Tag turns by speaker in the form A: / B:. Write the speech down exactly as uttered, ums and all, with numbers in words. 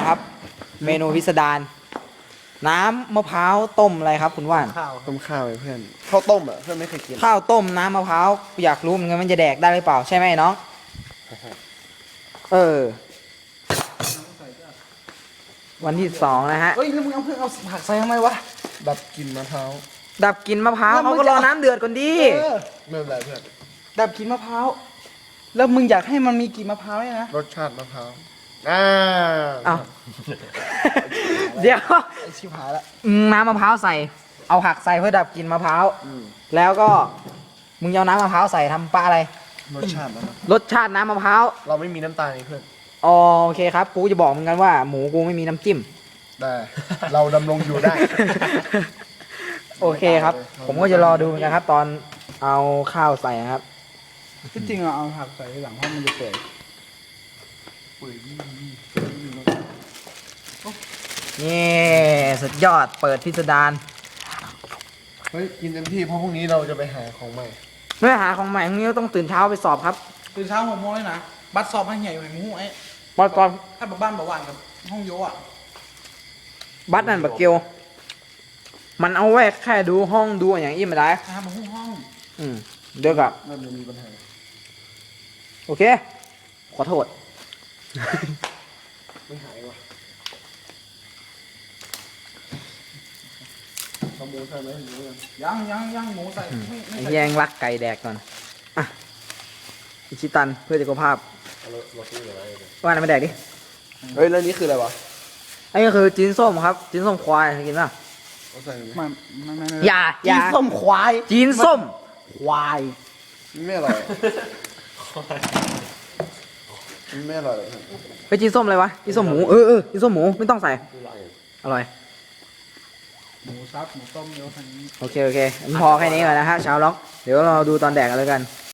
A: นะครับ เมนูพิสดารน้ำมะพร้าวต้มอะไรครับคุณว่าน
B: ข้าว
C: ต้มข้าวไอ้เพื่อนข้าวต้มอ่ะเพื่อนไม่เคยกิน
A: ข้าวต้มน้ำมะพร้าวอยากรู้เหมือนกันมันจะแดกได้หรือเปล่าใช่ไหมน้องเออ วันที่สองนะฮะ
B: เฮ้ยแล้วมึงเอาเพื่อนเอาผักใส่ทำไมวะ
C: ดับกลิ่นมะพร้าว
A: ดับกลินมะพร้าว
B: แล้วมึ
A: เขา
B: ง
A: ก็รอ
B: จะ
A: น้ำเดือดก่อนดิ
B: เออ
C: ไม่เป็นไรเพื่อน
B: ดับกลินมะพร้าวแล้วมึงอยากให้มันมีกลิ่นมะพร้าวเนี่ยนะ
C: รสชาติมะพร้าวอ่า
A: เอา เดี๋ยว
B: ไอชิบหายละ
A: น้ำมะพร้าวใส่ เอาผักใส่เพื่อดับกลินมะพร้าว
C: อืม
A: แล้วก็มึงเอาน้ำมะพร้าวใส่ทำปลาอะไร
C: รสชาติมะพร้าว
A: รสชาติน้ำมะพร้าว
C: เราไม่มีน้ำตาลไอ้เพื่อน
A: อ๋อโอเคครับ กูจะบอกเหมือนกันว่าหมูกูไม่มีน้ำจิ้ม
C: ได้ เราดำรงอยู่ได้
A: โอเคครับ ผมก็จะรอดูเหมือนกันครับ ตอนเอาข้าวใส่นะครับ
B: ที่จริงอะเอาผักใส่ทีหลังเพราะมันจะเปื่อย
A: นี่สุดยอดเปิดพิสดาร
C: เฮ้ยกินเต็มที่เพราะพรุ่งนี้เราจะไปหาของใหม่
A: เมื่อหาของใหม่พรุ่งนี้ต้องตื่นเช้าไปสอบครับ
B: ตื่นเช้าหกโมงเลยนะบัตรสอบให้ใหญ่อยู่ในหมูไอ้
A: บอสก่อน
B: ถ้าแบบบ้านแบบว่านกับห้องโยอะ
A: บัสนั่นบักเกียว มันเอาไว้แค่ดูห้องดูอย่างอี้ไม่ได้
B: นะครับมาห้องห้อง
A: อืมเดี๋ยวกับ
C: น่าจะมีปัญหา
A: โอเค ขอโทษ
C: ไม่หายว่ะขโมยใช่ไหมหรือยัง
B: ยังยังยังหมูใส่ไม่ไม่
A: ไอ้
B: ใส่
A: แยงรักไก่แดกก่อน อ่ะอิชิตันเพื่อสุขภาพ
C: เราเราซื้ออะไรเนี่ย
A: ว่าอะไรมาแดกดิ
C: เฮ้ยแล้วนี่คืออะไรวะ
A: ไอ้ก็คือจีนส้มครับ จีนส้มควายเคยกินป่ะ
C: เอาใส่ไหม
B: ไม่ไม่ไม่ไม่
A: อย่าอย่า
B: จีนส้มควาย
A: จีนส้ม
B: ควาย
C: มันไม่อร่อยมันไม่อร่อยหรอกเพื่อน
A: ไปจีนส้มอะไรวะจีนส้มหมูเออเออจีนส้มหมูไม่ต้องใส่ อร่อย
B: หมูซับหมูต้มเยอะขนาดนี้
A: โอเคโอเคงั้นพอแค่นี้ก่อนนะฮะชาวล็อก เดี๋ยวเราดูตอนแดกกันแล้วกัน